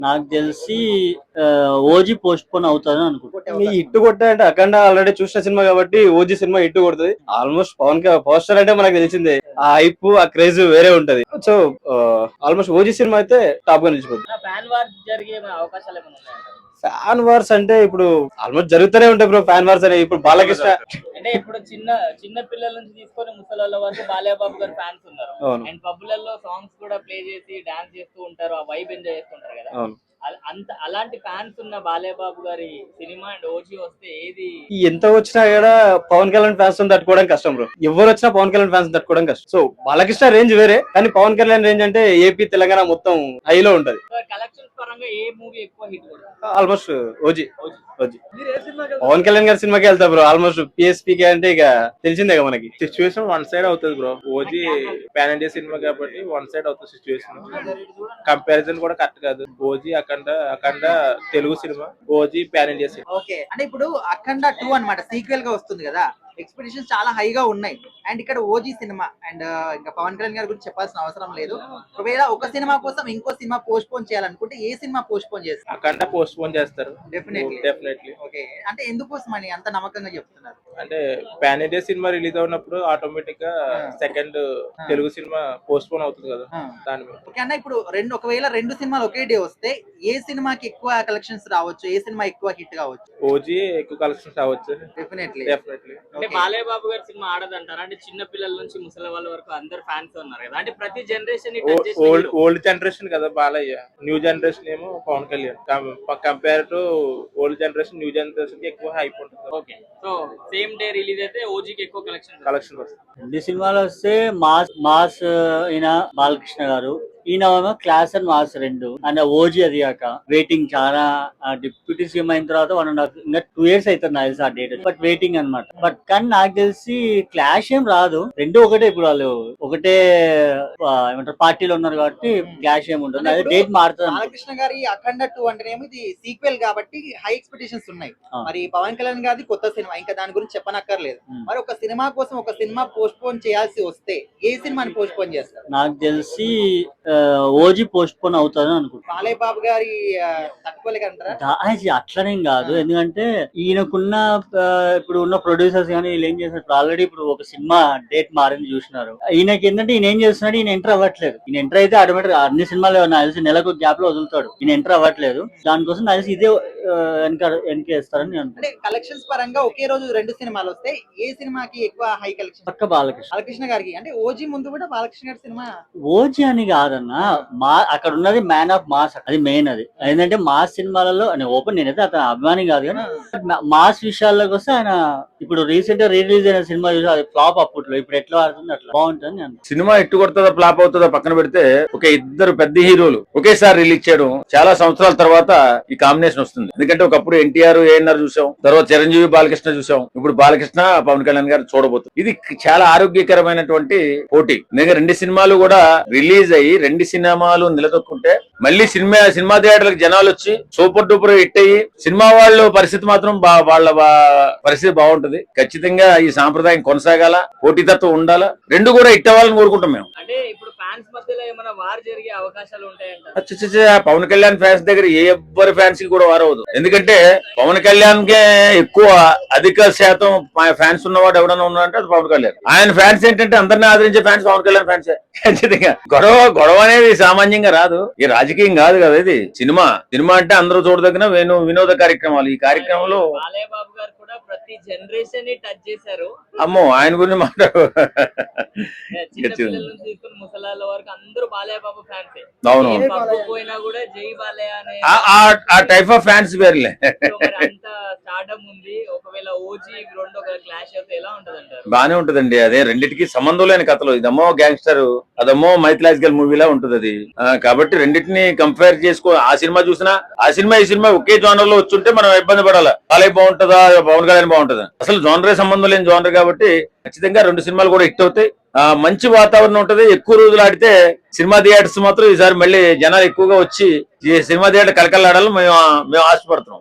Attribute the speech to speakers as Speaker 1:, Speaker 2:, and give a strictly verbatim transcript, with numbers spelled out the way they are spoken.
Speaker 1: నాకు తెలిసి OG post phone అవుతారని అనుకుంటున్నాను.
Speaker 2: ఈ ఇట్టు కొట్టాయంటే అఖండ ఆల్రెడీ చూసిన సినిమా కాబట్టి ఓజీ సినిమా ఇట్టు కొడుతుంది. ఆల్మోస్ట్ పవన్ పోస్టర్ అంటే మనకు తెలిసిందే, ఆ హైప్ ఆ క్రేజ్ వేరే ఉంటది. సో ఆల్మోస్ట్ ఓజీ సినిమా అయితే టాప్ గా నిలిచిపోతుంది. ఫ్యాన్ వార్స్ అంటే ఇప్పుడు ఆల్మోస్ట్ జరుగుతూనే ఉంటాయి బ్రో. ఫ్యాన్ వార్స్ అనే ఇప్పుడు బాలకృష్ణ
Speaker 3: అంటే ఇప్పుడు చిన్న చిన్న పిల్లల నుంచి తీసుకొని ముసలి వరకు బాలయ్యబాబు గారు ఫ్యాన్స్ ఉన్నారు. అండ్ పబ్బులలో సాంగ్స్ కూడా ప్లే చేసి డాన్స్ చేస్తూ ఉంటారు, ఆ వైబ్ ఎంజాయ్ చేస్తుంటారు కదా. అంత అలాంటి ఫ్యాన్స్ ఉన్న బాలయ్యబాబు గారి సినిమా అండ్ ఓజీ వస్తే ఏది
Speaker 2: ఎంత వచ్చినా కూడా పవన్ కళ్యాణ్ ఫ్యాన్స్ తట్టుకోవడం కష్టం బ్రో. ఎవరు వచ్చినా పవన్ కళ్యాణ్ ఫ్యాన్స్ తట్టుకోవడం కష్టం. సో బాలకృష్ణ రేంజ్ వేరే, కానీ పవన్ కళ్యాణ్ రేంజ్ అంటే ఏపీ తెలంగాణ మొత్తం హైలో ఉంటది.
Speaker 3: కలెక్షన్స్ పరంగా ఏ మూవీ ఎక్కువ హిట్ కొడుతుంది?
Speaker 2: Almost OG OG Pawan Kalyan గారి సినిమాకి వెళ్తా బ్రో. ఆల్మోస్ట్ పిఎస్పీకి అంటే ఇక తెలిసిందే మనకి.
Speaker 4: సిచ్యువేషన్ వన్ సైడ్ అవుతుంది బ్రో. ఓజీ పాన్ ఇండియా సినిమా కాబట్టి వన్ సైడ్ అవుతుంది సిచ్యువేషన్. కంపారిజన్ కూడా కరెక్ట్ కాదు. ఓజీ అఖండ అఖండ తెలుగు సినిమా, ఓజీ పాన్ ఇండియా సినిమా.
Speaker 5: ఓకే, అంటే ఇప్పుడు అఖండ టూ అన్నమాట సీక్వెల్ గా వస్తుంది కదా, ఎక్స్పెక్టేషన్స్ చాలా హైగా ఉన్నాయి. అండ్ ఇక్కడ ఓజీ సినిమా అండ్ ఇంకా పవన్ కళ్యాణ్ గారి గురించి చెప్పాల్సిన అవసరం లేదు. ఒకవేళ ఒక సినిమా కోసం ఇంకో సినిమా పోస్ట్ పోన్ చేయాలనుకుంటే ఏ సినిమా పోస్ట్ పోన్ చేస్తారు?
Speaker 4: అఖండ పోస్ట్ పోన్ చేస్తారు
Speaker 5: డెఫినెట్లీ
Speaker 4: డెఫినెట్లీ.
Speaker 5: ఓకే, అంటే ఎందుకోసం అని అంత నమ్మకంగా చెప్తున్నారు?
Speaker 4: అంటే పాన్ ఇండియా సినిమా రిలీజ్ అవునప్పుడు ఆటోమేటిక్ గా సెకండ్ తెలుగు సినిమా పోస్ట్ పోన్ అవుతుంది కదా దాని మీద.
Speaker 5: ఓకే అన్న, ఇప్పుడు రెండు ఒకవేళ రెండు సినిమాలు ఒకే డే వస్తే ఏ సినిమాకి ఎక్కువ కలెక్షన్స్ రావచ్చు, ఏ సినిమా ఎక్కువ హిట్ కావచ్చు?
Speaker 4: ఓజీ ఎక్కువ కలెక్షన్స్ రావచ్చు
Speaker 5: డెఫినెట్లీ
Speaker 4: డెఫినెట్లీ.
Speaker 3: అంటే బాలయ్య బాబు గారి సినిమా ఆడదంటారా? అంటే చిన్న పిల్లల నుంచి ముసలి వాళ్ళ వరకు అందరు ఫ్యాన్స్ ఉన్నారు కదా. అంటే ప్రతి జనరేషన్
Speaker 4: ఓల్డ్ ఓల్డ్ జనరేషన్ కదా బాలయ్య, న్యూ జనరేషన్ ఏమో Pawan Kalyan. Compare to old generation new generation కి ఎక్కువ హైప్ ఉంటుంది.
Speaker 3: Okay, so same day release అయితే ఓజీకి ఎక్కువ కలెక్షన్
Speaker 4: కలెక్షన్ వస్తుంది.
Speaker 1: రెండు సినిమాలు వస్తే మాస్ మాస్ ఈయన బాలకృష్ణ గారు, ఈయన క్లాస్ అండ్ మాస్ రెండు. అండ్ ఓజీ అది కాక వెయిటింగ్ చాలా. డిప్యూటీ సీఎం అయిన తర్వాత వన్ అండ్ హాఫ్ ఇంకా టూ ఇయర్స్ అవుతుంది నాకు తెలిసి ఆ డేట్. బట్ వెయిటింగ్ అనమాట. బట్ కానీ నాకు తెలిసి క్లాష్ ఏం రాదు, రెండు ఒకటే. ఇప్పుడు వాళ్ళు ఒకటే ఏమంటారు పార్టీలో ఉన్నారు కాబట్టి క్లాష్ ఏమి ఉంటుంది. అదే డేట్ మారుతుంది.
Speaker 5: బాలకృష్ణ గారి అఖండ టూ అంటేనేమో ఇది సీక్వెల్ కాబట్టి హై ఎక్స్పెక్టేషన్స్ ఉన్నాయి. మరి పవన్ కళ్యాణ్ గారి కొత్త సినిమా, ఇంకా దాని గురించి చెప్పనక్కర్లేదు. మరి ఒక సినిమా కోసం ఒక సినిమా పోస్ట్ పోన్ చేయాల్సి వస్తే ఏ సినిమాని పోస్ట్ పోన్ చేస్తారు?
Speaker 1: నాకు తెలిసి ఓజీ పోస్ట్ పోన్ అవుతారని అనుకుంటున్నాను.
Speaker 5: బాలయ్య బాబు గారి తట్టుకోలేకంటారా?
Speaker 1: అట్లనేం కాదు, ఎందుకంటే ఈయనకున్న ఇప్పుడు ఉన్న ప్రొడ్యూసర్స్ కానీ వీళ్ళు ఏం చేస్తున్నారు, ఆల్రెడీ ఇప్పుడు ఒక సినిమా డేట్ మారింది చూసినారు. ఈయనకి ఏంటంటే ఈయన ఏం చేస్తున్నాడు, ఈయన ఎంటర్ అవ్వట్లేదు. ఈయన ఎంటర్ అయితే ఆటోమేటిక్ అన్ని సినిమాలు నాకు తెలిసి నెలకు గ్యాప్ లో వదులుతాడు. ఈయన ఎంటర్ అవ్వట్లేదు. దానికోసం నాకు తెలిసి ఇదే వెనక వెనకేస్తారని నేను.
Speaker 5: అంటే కలెక్షన్స్ పరంగా ఒకే రోజు రెండు సినిమాలు వస్తే ఏ సినిమాకి ఎక్కువ హై కలెక్షన్?
Speaker 1: పక్క బాలకృష్ణ
Speaker 5: బాలకృష్ణ గారికి. అంటే ఓజీ ముందు కూడా బాలకృష్ణ గారి సినిమా.
Speaker 1: ఓజీ అని కాదన్నా, మా అక్కడ ఉన్నది మ్యాన్ ఆఫ్ మాస్, అది మెయిన్. అది ఏంటంటే మాస్ సినిమాలలో ఓపెన్, నేనైతే అతను అభిమాని కాదు కానీ మాస్ విషయాల్లోకి వస్తే ఆయన ఇప్పుడు రీసెంట్ గా రిలీజ్ అయిన సినిమా చూసి అది ఫ్లాప్ అప్పట్లో, ఇప్పుడు ఎట్లా ఆడుతుంది అట్లా బాగుంటుంది.
Speaker 6: సినిమా ఎట్టు కొడుతుందా ఫ్లాప్ అవుతుందా పక్కన పెడితే, ఒక ఇద్దరు పెద్ద హీరోలు ఒకేసారి రిలీజ్ చేయడం చాలా సంవత్సరాల తర్వాత ఈ కాంబినేషన్ వస్తుంది. ఎందుకంటే ఒకప్పుడు ఎన్టీఆర్ ఏఎన్ఆర్ చూసాం, తర్వాత చిరంజీవి బాలకృష్ణ చూసాం, ఇప్పుడు బాలకృష్ణ పవన్ కళ్యాణ్ గారు చూడబోతుంది. ఇది చాలా ఆరోగ్యకరమైనటువంటి పోటీ. ఎందుకంటే రెండు సినిమాలు కూడా రిలీజ్ అయ్యి రెండు సినిమాలు నిలదొక్కుంటే మళ్ళీ సినిమా సినిమా థియేటర్లకు జనాలు వచ్చి సూపర్ డూపర్ హిట్ అయ్యి సినిమా వాళ్ళ పరిస్థితి మాత్రం వాళ్ళ పరిస్థితి బాగుంటది. ఖచ్చితంగా ఈ సాంప్రదాయం కొనసాగాల, పోటీతత్వం ఉండాలా, రెండు కూడా హిట్ అవ్వాలని కోరుకుంటాం మేము.
Speaker 3: అంటే ఇప్పుడు ఫ్యాన్స్ మధ్యలో ఏమైనా వార్ జరిగే అవకాశాలు ఉంటాయంట?
Speaker 6: పవన్ కళ్యాణ్ ఫ్యాన్స్ దగ్గర ఏ ఎవ్వరి ఫ్యాన్స్ కి కూడా వార్ అవ్వదు. ఎందుకంటే పవన్ కళ్యాణ్ కే ఎక్కువ అధిక శాతం ఫ్యాన్స్ ఉన్నవాడు ఎవడన్నా ఉన్నాడంటే అది పవన్ కళ్యాణ్. ఆయన ఫ్యాన్స్ ఏంటంటే అందరినీ ఆదరించే ఫ్యాన్స్ పవన్ కళ్యాణ్ ఫ్యాన్సే. ఖచ్చితంగా గొడవ గొడవ అనేది సామాన్యంగా రాదు. ఈ రాజకీయం కాదు కదా, ఇది సినిమా. సినిమా అంటే అందరూ చూడదగిన వేణు వినోద కార్యక్రమాలు. ఈ కార్యక్రమంలో
Speaker 3: బాలయ్య బాబు గారు కూడా ప్రతి జనరేషన్ ని టచ్ చేశారు.
Speaker 6: అమ్మో ఆయన గురించి మాట్లాడు.
Speaker 3: ముసలాల వరకు అందరూ బాలయ్య బాబు ఫ్యాన్స్.
Speaker 6: అవును,
Speaker 3: పోయినా కూడా జై బాలయ్య అనే
Speaker 6: ఆ టైప్ ఆఫ్ ఫ్యాన్స్ వేర్లే.
Speaker 3: అంత స్టార్డమ్ ఉంది. ఒకవేళ ఓజీ రెండు ఒక క్లాష్ అయితే ఎలా ఉంటది అంటారు?
Speaker 6: బానే ఉంటదండి. అదే రెండింటికి సంబంధం లేని కథలు. ఇదమ్మో గ్యాంగ్స్టర్, అదమ్మో మైథలాజికల్ మూవీలా ఉంటది అది. కాబట్టి రెండింటిని కంపేర్ చేసుకో. ఆ సినిమా చూసినా ఆ సినిమా ఈ సినిమా ఒకే జోనర్ లో వచ్చుంటే మనం ఇబ్బంది పడాలా. బాలయ్య బాగుంటుందా పవన్ కళ్యాణ్ బాగుంటుందా? అసలు జోనరే సంబంధం లేని జోనర్ కాబట్టి ఖచ్చితంగా రెండు సినిమాలు కూడా హిట్ అవుతాయి. ఆ మంచి వాతావరణం ఉంటది. ఎక్కువ రోజులు ఆడితే సినిమా థియేటర్స్ మాత్రం ఈసారి మళ్ళీ జనాలు ఎక్కువగా వచ్చి సినిమా థియేటర్ కలకలాడాలని మేము మేము ఆశపడుతున్నాం.